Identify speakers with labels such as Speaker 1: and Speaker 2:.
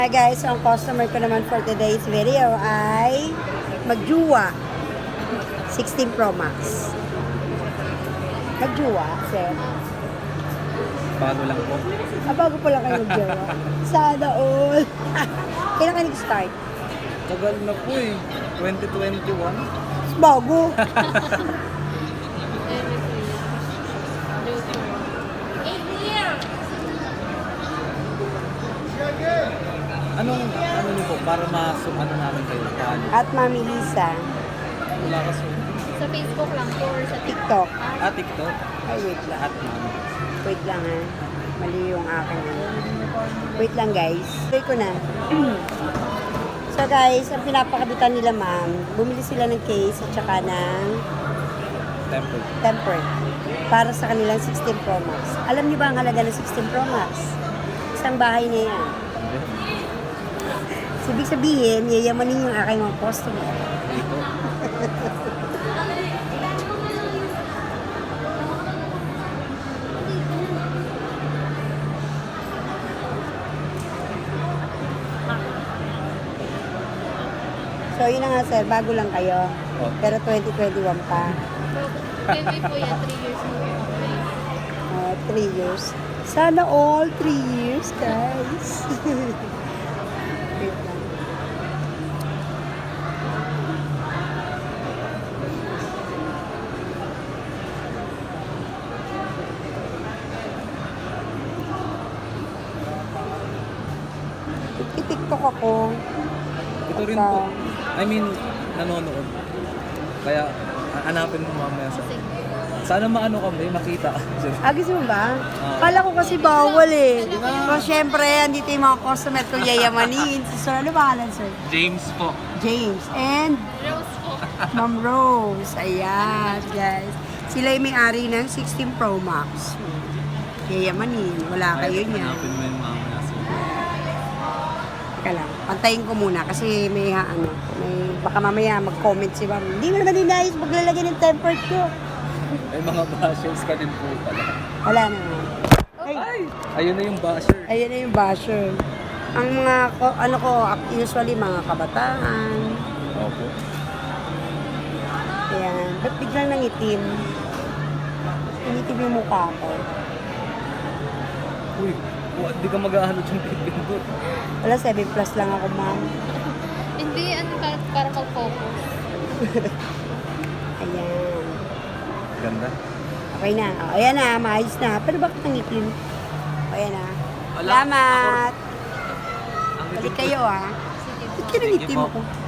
Speaker 1: Hi guys, so ang customer ko naman for today's video ay magjuwa 16 Pro Max. Magjuwa, sir.
Speaker 2: Bago lang po.
Speaker 1: Bago po lang kayo magjuwa. Sana all. Kailan ka nag-start?
Speaker 2: Tagal na po eh. 2021.
Speaker 1: Bago.
Speaker 2: Ano niyo po? Para ano namin kayo? Paano?
Speaker 1: At Mami Lisa,
Speaker 2: Wala kasi.
Speaker 3: Sa Facebook lang po or sa
Speaker 1: TikTok.
Speaker 2: TikTok.
Speaker 1: Ay, wait lang.
Speaker 2: At mami.
Speaker 1: Wait lang ha. Mali yung akin. Wait lang guys. Tuloy ko na. So guys, ang pinapakabitan nila ma'am, bumili sila ng case at saka ng temper para sa kanilang 16 Pro Max. Alam niyo ba ang halaga ng 16 Pro Max? Isang bahay na yan. So, ibig sabihin, yayamanin yung aking mga customer.
Speaker 2: Dito.
Speaker 1: So, yun na nga sir, bago lang kayo.
Speaker 2: Oh.
Speaker 1: Pero 2021 pa.
Speaker 3: Baby po yan, 3 years mo po.
Speaker 1: 3 years. Sana all 3 years, guys. Wait lang. TikTok ako.
Speaker 2: Ito rin po. I mean, nanonood. Kaya, hanapin mo mamaya sa... Sana maano kami, makita.
Speaker 1: Gusto mo ba? Kala ko kasi bawal eh. So, syempre, andito yung mga customer ko yayamanin. So, ano pangalan, sir?
Speaker 2: James po.
Speaker 1: James. And?
Speaker 3: Rose po.
Speaker 1: Ma'am Rose. Ayan, guys. Sila yung may-ari ng 16 Pro Max. Yayamanin. Wala kayo niya.
Speaker 2: Hanapin mo yung mamaya sa...
Speaker 1: Teka lang. Pantayin ko muna kasi may baka mamaya mag-comment si ma'am. Hindi mo naman inayos maglalagay ng tempered ko.
Speaker 2: May mga bashers ka din po pala.
Speaker 1: Wala naman. Ay!
Speaker 2: Ayun na yung basher.
Speaker 1: Ayan na yung basher. Ang mga, usually mga kabataan.
Speaker 2: Opo.
Speaker 1: Ayan. Ba't biglang nangitim? Nangitim yung mukha ko.
Speaker 2: Uy, di ka mag-ahalot yung pipindot.
Speaker 1: Wala, 7 plus lang ako, ma'am.
Speaker 3: Hindi, para mag-focus.
Speaker 1: Ayan.
Speaker 2: Ganda.
Speaker 1: Okay na. O, ayan na, maayos na. Pero bakit nangitim? O, ayan na.
Speaker 2: Wala.
Speaker 1: Salamat!
Speaker 2: Ang
Speaker 1: Balik kayo, ha.
Speaker 3: Sige
Speaker 1: Ba't
Speaker 3: po.
Speaker 1: ka nangitim
Speaker 2: Sige po.
Speaker 1: ako?